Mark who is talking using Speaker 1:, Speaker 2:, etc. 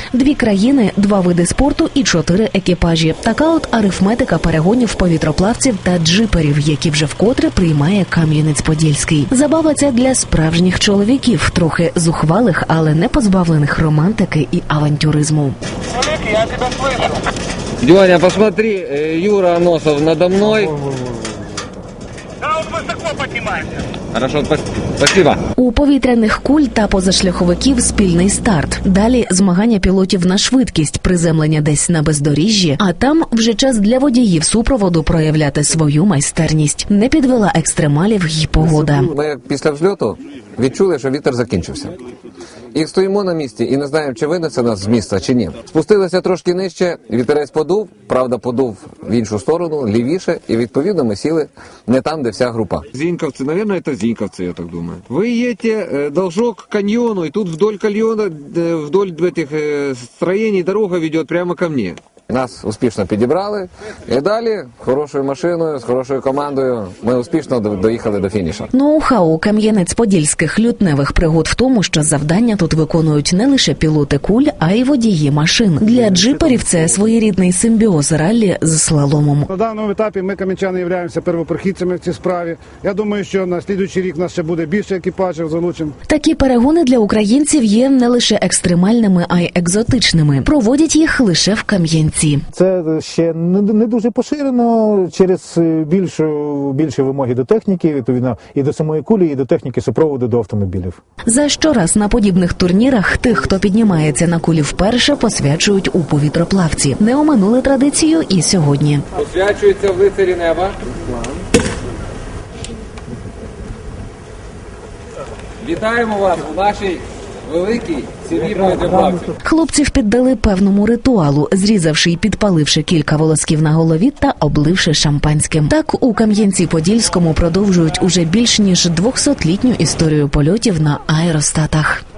Speaker 1: 2 країни, 2 види спорту і 4 екіпажі. Така от арифметика перегонів повітроплавців та джиперів, які вже вкотре приймає Кам'янець-Подільський. Забава ця для справжніх чоловіків, трохи зухвалих, але не позбавлених романтики і авантюризму.
Speaker 2: Я тебя слышу.
Speaker 3: Дёня, посмотри, Юра Аносов надо мной.
Speaker 2: Да, он высоко поднимается.
Speaker 3: Хорошо, спасибо.
Speaker 1: У повітряних куль та позашляховиків спільний старт. Далі змагання пілотів на швидкість, приземлення десь на бездоріжжі, а там вже час для водіїв супроводу проявляти свою майстерність. Не підвела екстремалів й погода.
Speaker 4: Ми після взльоту відчули, що вітер закінчився. І стоїмо на місці і не знаємо, чи винесе нас з міста, чи ні. Спустилися трошки нижче, вітерець подув, правда подув в іншу сторону, лівіше, і відповідно ми сіли не там, де вся група.
Speaker 3: Зиньковцы, наверное, это Зиньковцы, я так думаю. Вы едете должок к каньону, и тут вдоль каньона, вдоль этих строений дорога ведет прямо ко мне.
Speaker 4: Нас успішно підібрали, і далі хорошою машиною, з хорошою командою ми успішно доїхали до фінішу.
Speaker 1: Ноу-хау Кам'янець-Подільських лютневих пригод в тому, що завдання тут виконують не лише пілоти куль, а й водії машин. Для джиперів це своєрідний симбіоз раллі з слаломом.
Speaker 5: На даному етапі ми, кам'янчани, являємося первопрохідцями в цій справі. Я думаю, що на слідуючий рік у нас ще буде більше екіпажів залучено.
Speaker 1: Такі перегони для українців є не лише екстремальними, а й екзотичними. Проводять їх лише в Кам'янці.
Speaker 6: Це ще не дуже поширено через більші вимоги до техніки, відповідно, і до самої кулі, і до техніки супроводу до автомобілів.
Speaker 1: За щораз на подібних турнірах тих, хто піднімається на кулі вперше, посвячують у повітроплавці. Не оминули традицію і сьогодні.
Speaker 3: Посвячується в лицарі неба. Вітаємо вас у нашій великій сім'ї повітроплавців.
Speaker 1: Хлопців піддали певному ритуалу, зрізавши й підпаливши кілька волосків на голові та обливши шампанським. Так у Кам'янці-Подільському продовжують уже більш ніж 200-літню історію польотів на аеростатах.